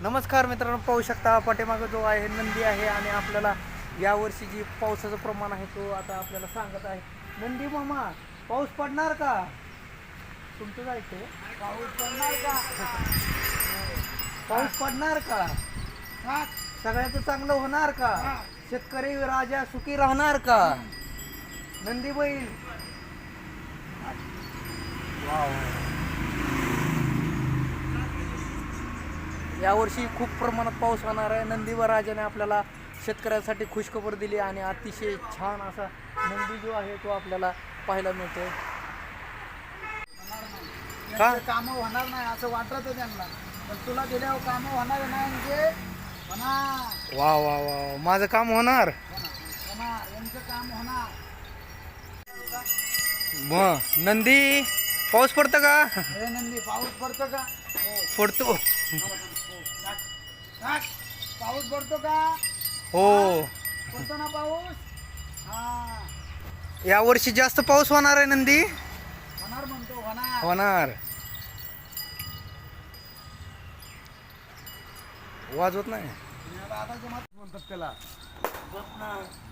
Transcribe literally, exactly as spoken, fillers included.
नमस्कार मित्रांनो, पाहू शकता पाठीमागं जो आहे नंदी आहे आणि आपल्याला यावर्षी जी पावसाचं प्रमाण आहे तो आता आपल्याला सांगत आहे. नंदी मामा, पाऊस पडणार का? तुमचं जायचं पाऊस पडणार का? पाऊस पडणार का? सगळ्याचं चांगलं होणार का? शेतकरी राजा सुखी राहणार का? नंदी बैल वाव. यावर्षी खूप प्रमाणात पाऊस होणार आहे. नंदी व राजाने आपल्याला शेतकऱ्यांसाठी खुशखबर दिली आणि अतिशय छान असा नंदी जो आहे तो आपल्याला पाहायला मिळतोय. का कामं होणार नाही असं वाटत त्यांना, पण तुला दिल्यावर कामं होणार नाही म्हणजे होणार. वा वा वा, माझं काम होणार. होणार, यांचं काम होणार. मग नंदी, पाऊस पडतं का? हे नंदी, पाऊस पडतो का? पडतो. टाक. पाऊस पडतो का? हो, पडतो ना पाऊस. हा, यावर्षी जास्त पाऊस होणार आहे. नंदी होणार म्हणतो, होणार. होणार. वाजवत नाही दादाच्या मत म्हणतात त्याला.